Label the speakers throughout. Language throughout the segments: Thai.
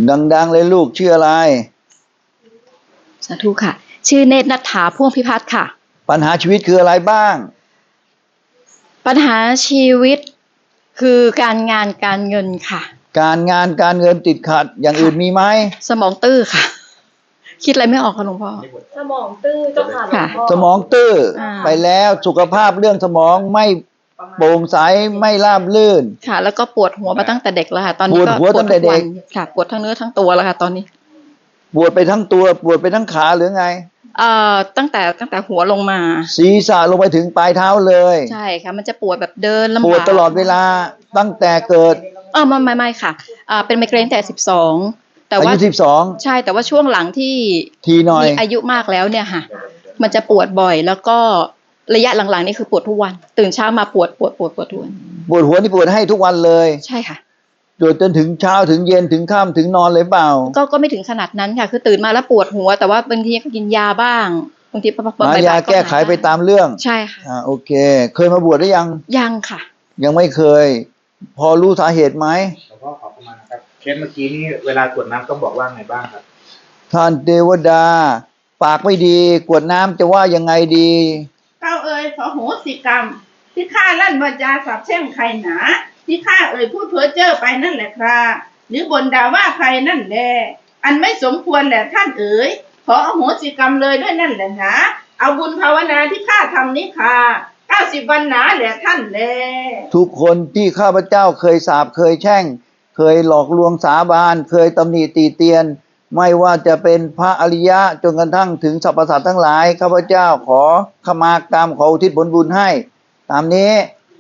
Speaker 1: ดังๆเลยลูกชื่ออะไร
Speaker 2: สาธุค่ะ ชื่อเนตรณัฐฐาพ่วงพิพัฒน์ค่ะ
Speaker 1: ปัญหาชีวิตคืออะไรบ้าง
Speaker 2: ปัญหาชีวิตคือการงานการเงินค่ะ
Speaker 1: การงานการเงินติดขัดอย่างอื่นมีไหม
Speaker 2: สมองตื้อค่ะ คิดอะไรไม่ออกค่ะหลวงพ่อ
Speaker 3: สมองตื้อเจ้าค่ะหลวงพ่อ
Speaker 1: สมองตื้อไปแล้วสุขภาพเรื่องสมองไม่โปร่งใสไม่ราบรื่น
Speaker 2: ค่ะ แล้วก็ปวดหัวมาตั้งแต่เด็กแล้วค่ะตอนนี้ก็
Speaker 1: ปวดหัวตั้งแต่เด็ก
Speaker 2: ค่ะปวดทั้งเนื้อทั้งตัวแล้วค่ะตอนนี้
Speaker 1: ปวดไปทั้งตัวปวดไปทั้งขาหรือไง
Speaker 2: ตั้งแต่หัวลงมา
Speaker 1: ศีรษะลงไปถึงปลายเท้าเลย
Speaker 2: ใช่ค่ะมันจะปวดแบบเดินลำบาก
Speaker 1: ปวดตลอดเวลาตั้งแต่เกิด
Speaker 2: ไม่ค่ะเป็นไมเกรนแต่12แต่ว่า
Speaker 1: อายุ12
Speaker 2: ใช่แต่ว่าช่วงหลังที่
Speaker 1: ทีหน่อย
Speaker 2: มีอายุมากแล้วเนี่ยค่ะมันจะปวดบ่อยแล้วก็ระยะหลังๆนี่คือปวดทุกวันตื่นเช้ามาปวดทุกวัน
Speaker 1: ปวดหัวนี่ปวดให้ทุกวันเลย
Speaker 2: ใช่ค่ะ
Speaker 1: ปวดจนถึงเช้าถึงเย็นถึงค่ำถึงนอนเลยเปล่า
Speaker 2: ก็ไม่ถึงขนาดนั้นค่ะคือตื่นมาแล้วปวดหัวแต่ว่าบางทีก็กินยาบ้างบางที
Speaker 1: หายาแก้ไขไปตามเรื่อง
Speaker 2: ใช่ค่ะ
Speaker 1: โอเคเคยมาบวชหรือ
Speaker 2: ยังค่ะ
Speaker 1: ยังไม่เคยพอรู้สาเหตุไหม
Speaker 4: หลวงพ่อขอประมาณนะครับเคสเมื่อกี้นี้เวลากรวดน้ำต้องบอกว่าไงบ้างครับ
Speaker 1: ท่านเทวดาปากไม่ดีกรวดน้ำจะว่ายังไงดี
Speaker 5: เก้าเอ๋ยขอโหสิกรรมที่ข้าลั่นวาจาสาปแช่งใครหนาที่ข้าเอ่ยพูดเพ้อเจ้อไปนั่นแหละครับหรือบ่นด่าว่าใครนั่นแหละอันไม่สมควรแหละท่านเอ๋ยขออโหสิกรรมเลยด้วยนั่นแหละนะเอาบุญภาวนาที่ข้าทำนี้ค่ะ90 วันหนาแหละท่านแล
Speaker 1: ทุกคนที่ข้าพเจ้าเคยสาปเคยแช่งเคยหลอกลวงสาบานเคยตำหนิตีเตียนไม่ว่าจะเป็นพระอริยะจนกระทั่งถึงสรรพสัตว์ทั้งหลายข้าพเจ้าขอขมากรรมขออุทิศผลบุญให้ตามนี้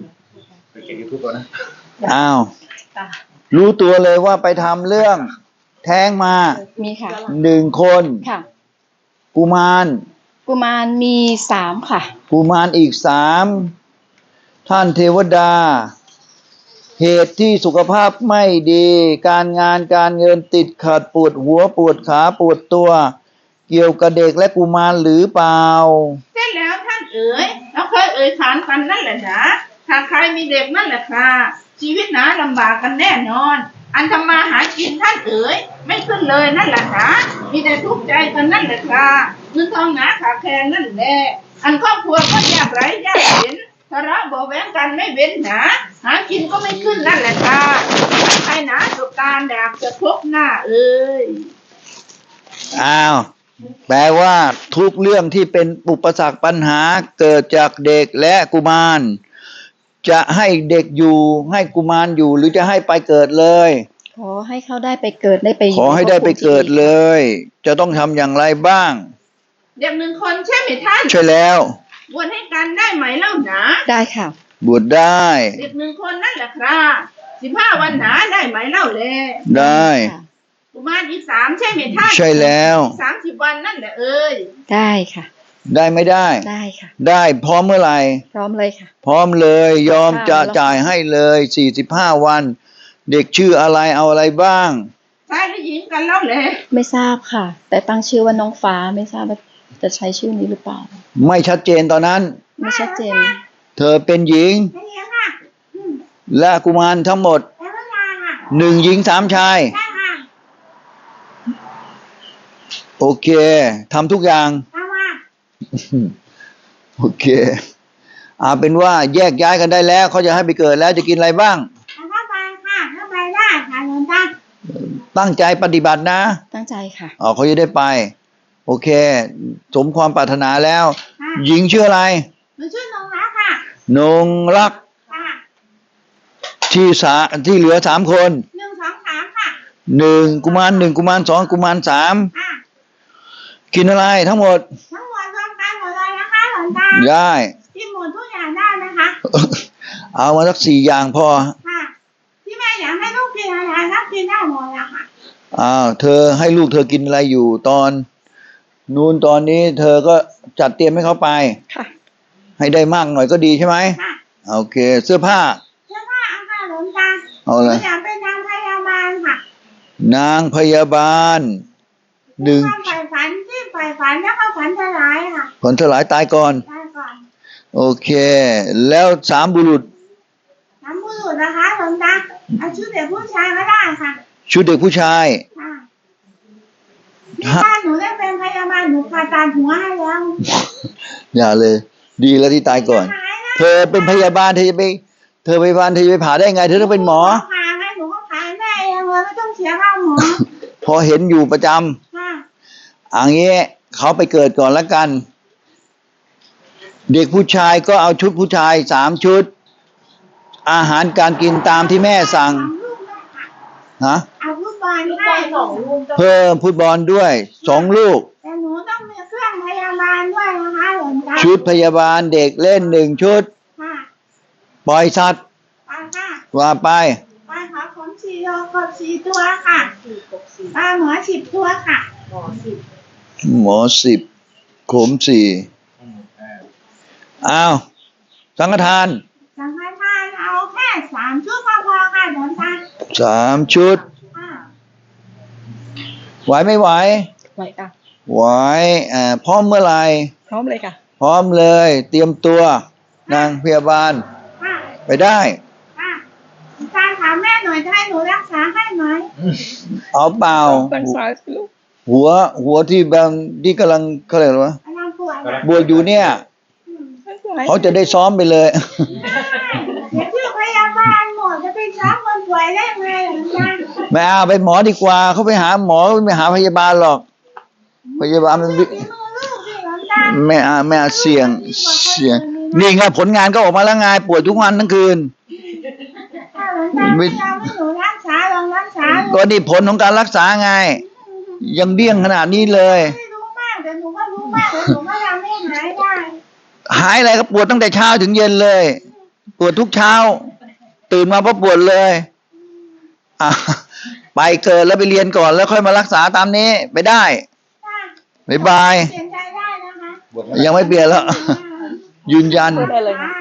Speaker 1: อ้าวรู้ตัวเลยว่าไปทำเรื่องแท้งมา
Speaker 2: มีค่ะ
Speaker 1: 1 คน
Speaker 2: ค่ะ
Speaker 1: กุมาร
Speaker 2: มี3ค่ะ
Speaker 1: กุมารอีก3ท่านเทวดาเหตุที่สุขภาพไม่ดีการงานการเงินติดขัดปวดหัวปวดขาปวดตัวเกี่ยวกับเด็กและกุมารหรือเปล่า
Speaker 5: ใช่แล้วท่านเอ๋ยเราเคยเอ่ยขานกันนั่นแหละนะถ้าใครมีเด็กนั่นแหละค่ะชีวิตหนาลำบากกันแน่นอนอันทำมาหากินท่านเอ๋ยไม่ขึ้นเลยนั่นแหละนะมีแต่ทุกข์ใจกันนั่นแหละค่ะเงินทองหนาขาดแคลนนั่นแหละอันครอบครัวก็ยากไร้ยากเข็ญทะเลาะเบาะแว้งกันไม่เว้นหนาหากินก็ไม่ขึ้นนั่นแหละค่ะใครหนาสุการแดกจะพบหน้าเอ๋ย
Speaker 1: แปลว่าทุกเรื่องที่เป็นอุปสรรคปัญหาเกิดจากเด็กและกุมารจะให้เด็กอยู่ให้กุมารอยู่หรือจะให้ไปเกิดเลย
Speaker 2: ขอให้เขาได้ไปเกิดได้ไป
Speaker 1: ขอให้ได้ไปเกิดเลยจะต้องทำอย่างไรบ้าง
Speaker 5: เด็ก1 คนใช่ไหมท่าน
Speaker 1: ใช่แล้ว
Speaker 5: บวชให้กันได้ไหมเล่าหนา
Speaker 2: ได้ค่ะ
Speaker 1: บวชได้
Speaker 5: เด็ก1 คนนั่นแหละครับ15 วันหนาได้ไหมเล่าแล
Speaker 1: ได้
Speaker 5: กุมารอีก3ใช่ไหมท่าน
Speaker 1: ใช่แล้ว
Speaker 5: 30 วันนั่นแหละเอ้ย
Speaker 2: ได้ค่ะ
Speaker 1: ได้ไม่ได้
Speaker 2: ได้ค่ะ
Speaker 1: ได้พร้อมเมื่อไหร่
Speaker 2: พร้อมเลยค่ะ
Speaker 1: พร้อมเลยยอมจะจ่ายให้เลย45 วันเด็กชื่ออะไรเอาอะไรบ้าง
Speaker 5: ชายหรือหญิงกันเล่าเลย
Speaker 2: ไม่ทราบค่ะแต่ตั้งชื่อว่าน้องฟ้าไม่ทราบว่าจะใช้ชื่อนี้หรือเปล่า
Speaker 1: ไม่ชัดเจนตอนนั้น
Speaker 2: ไม่ชัดเจน
Speaker 1: เธอเป็นหญิงและกุมารทั้งหมด1 หญิง3 ชายโอเคทำทุกอย่างโอเคเป็นว่าแยกย้ายกันได้แล้วเขาจะให้ไปเกิดแล้วจะกินอะไรบ้าง
Speaker 5: เข้าไปค่ะเข้าไปได้ค่ะหลวงตา
Speaker 1: ตั้งใจปฏิบัตินะ
Speaker 2: ตั้งใจค่ะ
Speaker 1: เขาจะได้ไปโอเคสมความปรารถนาแล้วหญิงชื่ออะไร
Speaker 5: ชื่อนงรักค่ะ
Speaker 1: นงรักที่เหลือ3 คน
Speaker 5: 1 2 3ค่ะ
Speaker 1: 1 กุมาร1 กุมาร2 กุมาร3กินอะไรทั้งหมด
Speaker 5: รวมกันหมดเลยนะคะหลวงตา
Speaker 1: ได้
Speaker 5: กินหมดทุกอย่างได้นะคะ
Speaker 1: เอามาสัก4 อย่างพอ
Speaker 5: ค่ะที่แม่อยากให้ลูกกินอะไรก็กินได้หมดละค่ะ
Speaker 1: เธอให้ลูกเธอกินอะไรอยู่ตอนนู้นตอนนี้เธอก็จัดเตรียมให้เขาไป
Speaker 2: ค่ะ
Speaker 1: ให้ได้มากหน่อยก็ดีใช่ไหมค่ะโอเคเสื้อผ้า
Speaker 5: เอาค่ะหลวงตาเอาเลยอยากเป็นนางพยาบาลค่ะ
Speaker 1: นางพยาบาล1
Speaker 5: ฝ่ายฝันที่ฝ่ายฝันแล้วก็ฝันสลายค่ะ
Speaker 1: ฝันสลายตายก่อนโอเคแล้ว3 บุรุษ
Speaker 5: นะคะหลวงตาเอาชุดเด็กผู้ชายก็ได้ค่ะ
Speaker 1: ชุดเด็กผู้ชาย
Speaker 5: ถ้าหนูได้เป็นพยาบาลหนูผ่าตัดหัวให้แล้ว
Speaker 1: อย่าเลย ดีแล้วที่ตายก่อน
Speaker 5: หายแล้ว
Speaker 1: เธอเป็นพยาบาลเธอจะไปพยาบาลเธอจะไปผ่าได้ไง เธอต้องเป็นหมอ
Speaker 5: ผ่าให้หนูก็ผ่าแม่เองเลยไม่ต้องเสียค่าหมอ
Speaker 1: พอเห็นอยู่ประจำ
Speaker 5: ค่ะ
Speaker 1: อย่างนี้เขาไปเกิดก่อนแล้วกัน เด็กผู้ชายก็เอาชุดผู้ชาย3 ชุด อาหารการกินตามที่แม่สั่ง
Speaker 5: สองลูกเลยค่ะ
Speaker 1: ฮะ
Speaker 5: เอาลูกบอล
Speaker 3: ลูกบ
Speaker 5: ให้
Speaker 3: อลสองลูกเจ้า
Speaker 1: เพิ่มฟุตบอลด้วย2 ลูก
Speaker 5: แต่หนูต้องมีเครื่องพยาบาลด้วยนะคะหลวงตา
Speaker 1: ชุดพยาบาลเด็กเล่น1 ชุด
Speaker 5: ค่ะ
Speaker 1: ปล่อยสัตว์
Speaker 5: ไปค่ะ
Speaker 1: ว่าไป
Speaker 5: ไปขอขน4 โลกบ4 ตัวค่ะ
Speaker 3: สี่กบสี่
Speaker 5: ปลาหมอ10 ตัวค่ะ
Speaker 3: หมอสิบ
Speaker 1: หมอ10 ขม4อ้าวสังฆทาน
Speaker 5: สังฆทานเอาแค่3 ชุดก็พอค่ะหลวงตา
Speaker 1: 3 ชุด
Speaker 5: ค่ะ
Speaker 1: ไหวไม่ไหว
Speaker 2: ไว้ค่ะ
Speaker 1: ไหวพร้อมเมื่อไหร่
Speaker 2: พร้อมเลยค่ะ
Speaker 1: พร้อมเลย เตรียมตัวนางพยาบาล
Speaker 5: ค่ะ
Speaker 1: ไปได้
Speaker 5: ค่ะหลวงตาถามแม่หน่อยจะให้หนูรักษาให้ไหม
Speaker 1: เอาเปล่า
Speaker 2: ตั้งซ้ายสิลูก
Speaker 1: หัวที่บางที่กำลังเขาเรียกว่า
Speaker 5: กำลังปวดอะ
Speaker 1: บวชอยู่เนี่ย
Speaker 2: ตั้งซ้าย
Speaker 1: เขาจะได้ซ้อมไปเลย
Speaker 5: เดี๋ยวชื่อพยาบาลหมอจะไปซ้อมคนป่วยได้ไงหลวงตา
Speaker 1: ไม่เอาไปหมอดีกว่าเขาไปหาหมอไม่หาพยาบาลหรอก พยาบาลมัน
Speaker 5: ฝีมือลูกสิหลวงตา
Speaker 1: ไม่เอาเสี่ยงนี่ไงผลงานก็ออกมาแล้วไงป่วยทุกวันทั้งคืน
Speaker 5: ถ้าหลวงตาไม่ยอมให้หนูรักษาลองรักษาดู
Speaker 1: ก็นี่ผลของการรักษาไง ยังเดี้ยงขนาดนี้เลย
Speaker 5: ไม่รู้มากแต่หนูก็รู้มากแต่หนูก็ยังไม่หายได้
Speaker 1: หายอะไรก็ปวดตั้งแต่เช้าถึงเย็นเลย ปวดทุกเช้า ตื่นมาเพราะปวดเลยอ่ะไปเกิดแล้วไปเรียนก่อนแล้วค่อยมารักษาตามนี้ไปได้
Speaker 5: ค่ะ
Speaker 1: บ๊ายบาย
Speaker 5: เปลี่ยนใจได้นะคะ
Speaker 1: ยังไม่เปลี่ยนแล้ว ยืนยัน
Speaker 2: ได้เลยค่ะ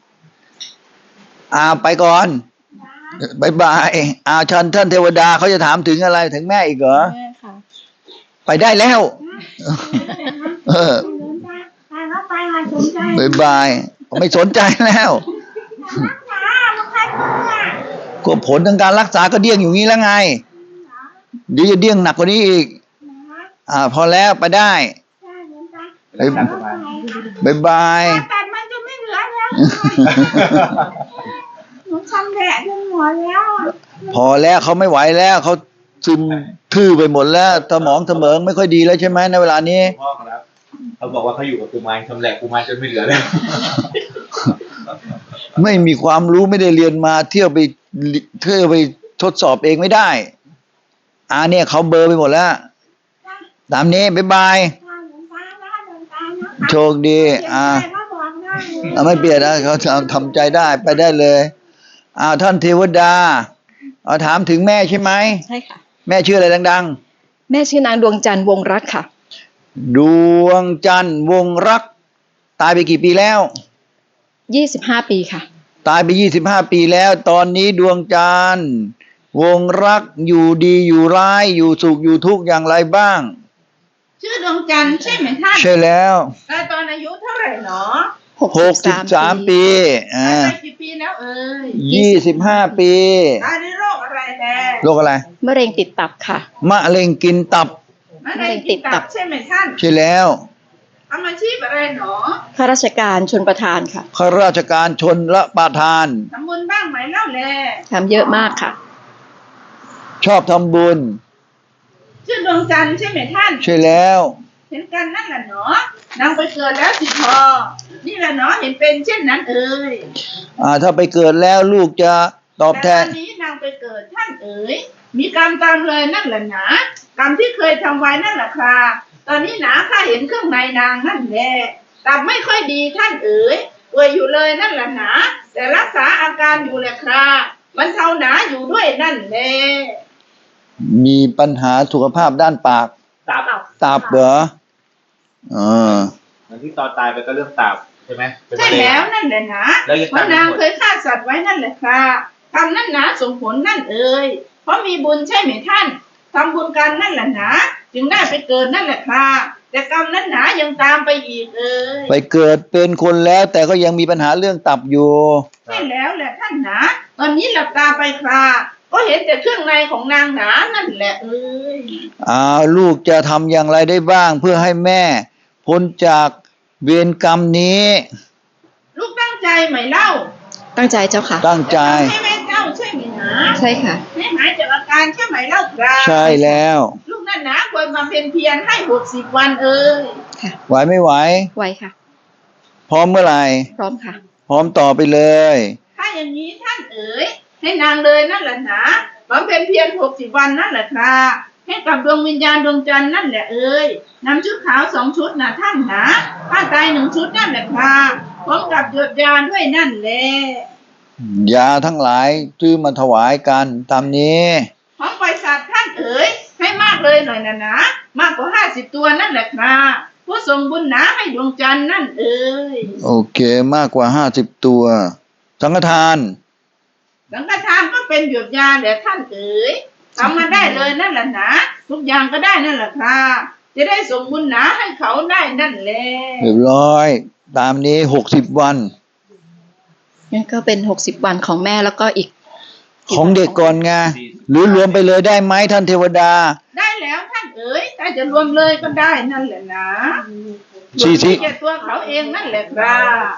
Speaker 1: ไปก่อนบ๊ายบายท่านเทวดาเขาจะถามถึงอะไรถึงแม่อีกเหรอ
Speaker 2: แม่ค่ะ
Speaker 1: ไปได้แล้ว เออ
Speaker 5: หลวงตาไปเข้าไปค่ะสนใจ
Speaker 1: บ๊ายบายไม่สนใจแล้ว
Speaker 5: รักษามันใครกลัว
Speaker 1: ก็ผลทางการรักษาก็เดี้ยงอยู่งี้แล้วไงเดี๋ยวจะเดี้ยงหนักกว่านี้อีก พอแล้วไปได้
Speaker 5: ใช่หลวงตา
Speaker 1: บ๊ายบาย
Speaker 5: ตัดมันจะไม่เหลือแล้วหนูชำแหละจนหมดแล้วอะ
Speaker 1: พอแล้วเขาไม่ไหวแล้วเขาซึมทื่อไปหมดแล้วสมองเสมองไม่ค่อยดีแล้วใช่ไหมในเวลานี้
Speaker 4: พ่อครับเขาบอกว่าเขาอยู่กับกุมารชำแหละกุมารจนไม่เหลือแล้ว
Speaker 1: ไม่มีความรู้ไม่ได้เรียนมาเที่ยวไปทดสอบเองไม่ได้เนี่ยเขาเบลอร์ไปหมดแล้ว ตามนี้บ๊ายบาย
Speaker 5: ค่ะหลวงตานะหลวงตานะคะ
Speaker 1: โชคดี
Speaker 5: เปลี่ยนใจก็บอกได้เลย
Speaker 1: ไม่เปลี่ยนนะเขาทำใจได้ไปได้เลยท่านเทวดาถามถึงแม่ใช่ไหม
Speaker 2: ใช่ค่ะ
Speaker 1: แม่ชื่ออะไรดัง
Speaker 2: แม่ชื่อนางดวงจันทร์วงรักค่ะ
Speaker 1: ๆ ดวงจันทร์วงรัก ตายไปกี่ปีแล้ว
Speaker 2: 25 ปีค่ะ
Speaker 1: ตายไป25 ปีแล้ว ตอนนี้ดวงจันทร์วงรักอยู่ดีอยู่ร้ายอยู่สุขอยู่ทุกข์อย่างไรบ้าง
Speaker 5: ชื่อดวงจันทร์ใช่ไหมท่าน
Speaker 1: ใช่แล้ว
Speaker 5: ตายตอนอายุเท่าไหร่หนอ
Speaker 1: 63 ปี
Speaker 5: ตายไปกี่ปีแล้วเอ่ย
Speaker 1: 25 ปี
Speaker 5: ตายด้วยโรคอะไรแน่
Speaker 1: โรคอะไร
Speaker 2: มะเร็งติดตับค่ะ
Speaker 1: มะเร็งกินตับ
Speaker 5: มะเร็งติดตับใช่ไหมท่าน
Speaker 1: ใช่แล้ว
Speaker 5: ทำอาชีพอะไรหนอ
Speaker 2: ข้าราชการชนประทานค่ะ
Speaker 1: ข้าราชการชนละประทาน
Speaker 5: ทำบุญบ้างไหมเล่าแล
Speaker 2: ทำเยอะมากค่ะ
Speaker 1: ชอบทำบุญ
Speaker 5: ชื่อดวงจันทร์ใช่ไหมท่าน
Speaker 1: ใช่แล้ว
Speaker 5: เห็นกันนั่นแหละหนอนางไปเกิดแล้วสิพอนี่แหละหนอเห็นเป็นเช่นนั้นเอ่ย
Speaker 1: ถ้าไปเกิดแล้วลูกจะตอบแท
Speaker 5: แต่ตอน นนี้นางไปเกิดท่านเอ๋ยมีกรรมตามเลยนั่นแหละหนากรรมที่เคยทำไว้นั่นแหละค่ะตอนนี้หนาข้าเห็นเครื่องในนางนั่นแหละตับไม่ค่อยดีท่านเอ๋ยป่วยอยู่เลยนั่นแหละหนาแต่รักษาอาการอยู่แหละค่ะมันเท่าหนาอยู่ด้วยนั่นแหละ
Speaker 1: มีปัญหาสุขภาพด้านปาก
Speaker 4: ตับ
Speaker 1: ตับเหรอ
Speaker 4: เหมือนที่ตอนตายไปก็เรื่องตับใช่ไหมเป็น
Speaker 5: ใช่
Speaker 4: มะเร็ง
Speaker 5: แล้วนั่นแหละนะ
Speaker 4: แล้วยัง
Speaker 5: เพราะ
Speaker 4: ตามไม่
Speaker 5: นาง
Speaker 4: หมด
Speaker 5: เคยฆ่าสัตว์ไว้นั่นแหละค่ะทำนั่นหนาส่งผลนั่นเอ่ยเพราะมีบุญใช่ไหมท่านทำบุญกันนั่นแหละนะจึงได้ไปเกิดนั่นแหละค่ะแต่กรรมนั้นหนายังตามไปอีกเอ่ย
Speaker 1: ไปเกิดเป็นคนแล้วแต่ก็ยังมีปัญหาเรื่องตับอยู่
Speaker 5: ใช่แล้วแหละท่านหนาตอนนี้หลับตาไปค่ะก็เห็นแต่เครื่องในของนางหนานั่นแหละเอ้ย
Speaker 1: ลูกจะทำอย่างไรได้บ้างเพื่อให้แม่พ้นจากเวรกรรมนี้
Speaker 5: ลูกตั้งใจไหมเล่า
Speaker 2: ตั้งใจเจ้าค่ะ
Speaker 1: ตั้งใจ
Speaker 5: จะทำให้แม่เจ้าใช่ไหมนะ
Speaker 2: ใช่ค่ะ
Speaker 5: ให้หายจากอาการใช่ไหมเล่าครับ
Speaker 1: ใช่แล้ว
Speaker 5: ลูกนั่นนะควรบำเพ็ญเพียรให้60 วันเอ้ย
Speaker 1: ไหวไม่ไหว
Speaker 2: ไวค่ะ
Speaker 1: พร้อมเมื่อไหร่
Speaker 2: พร้อมค่ะ
Speaker 1: พร้อมต่อไปเลย
Speaker 5: ถ้าอย่างนี้ท่านเอ๋ยให้นางเลยนั่นแหละนะบำเพ็ญเพียร60 วันนั่นแหละครับให้กับดวงวิญญาณดวงจันทร์นั่นแหละเอ้ยนำชุดขาว2 ชุดนะท่านนะผ้าไตร1 ชุดนั่นแหละครับพร้อมกับหยดยาด้วยนั่นแหละ
Speaker 1: ยาทั้งหลายซื้อมาถวายกันตามนี้
Speaker 5: พร้อมปล่อยสัตว์ท่านเอ๋ยให้มากเลยหน่อยนะมากกว่า50 ตัวนั่นแหละครับผู้ทรงบุญหนาให้ดวงจันทร์นั่นเอ๋ย
Speaker 1: โอเคมากกว่า50 ตัว สังฆทาน
Speaker 5: สังฆทานก็เป็นหยดยาแหละท่านเอ๋ยทำมาได้เลยนั่นแหละนะทุกอย่างก็ได้นั่นแหละครับจะได้ส่งบุญหนาให้เขาได้นั่นแหละ
Speaker 1: เรียบร้อย ตามนี้60 วัน
Speaker 2: งั้นก็เป็น60 วันของแม่แล้วก็อีก
Speaker 1: ของเด็กก่อนไงหรือรวมไปเลยได้ไหมท่านเทวดา
Speaker 5: ได้แล้วท่านเอ๋ยถ้าจะรวมเลยก็ได้นั่นแหละนะ
Speaker 1: สี่สิบ
Speaker 5: แก่ตัวเขาเองนั่นแหละครับ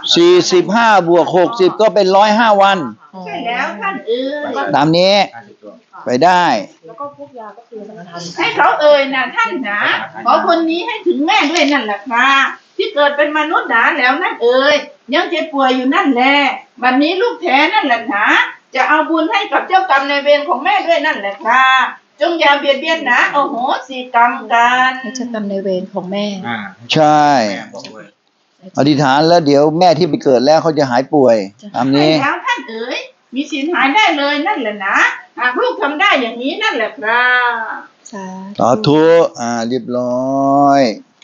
Speaker 1: 45 บวก 60 ก็เป็น105 วัน
Speaker 5: ใช่แล้วท่านเอ๋ย
Speaker 1: ตามนี้
Speaker 4: 50 ตัว
Speaker 1: ไปได้
Speaker 3: แล้วก็พวกยาก็คือสังฆทาน
Speaker 5: ให้เขาเอ่ยนะท่านนะขอคนนี้ให้ถึงแม่ด้วยนั่นแหละครับที่เกิดเป็นมนุษย์หนาแล้วนั่นเอ่ยยังเจ็บป่วยอยู่นั่นแหละบัดนี้ลูกแท้นั่นแหละนะจะเอาบุญให้กับเจ้ากรรมในายเวรของแม่ด้วยนั่นแหละครับจงอย่าเบียดเบียนนะโอ้โหสิกรรมกัน
Speaker 2: ให้เจ้ากรรมในายเวรของแม่
Speaker 1: ใช่
Speaker 4: แม่บอกด้วย
Speaker 1: อธิษฐานแล้วเดี๋ยวแม่ที่ไปเกิดแล้วเขาจะหายป่วย ตาม
Speaker 5: ใช่
Speaker 1: นี้
Speaker 5: แล้วท่านเอ๋ยมีสินหายได้เลยนั่นแหละนะหากลูกทำได้อย่างนี้นั่นแหละครับ
Speaker 2: สาธุ
Speaker 1: สาธุเรียบร้อย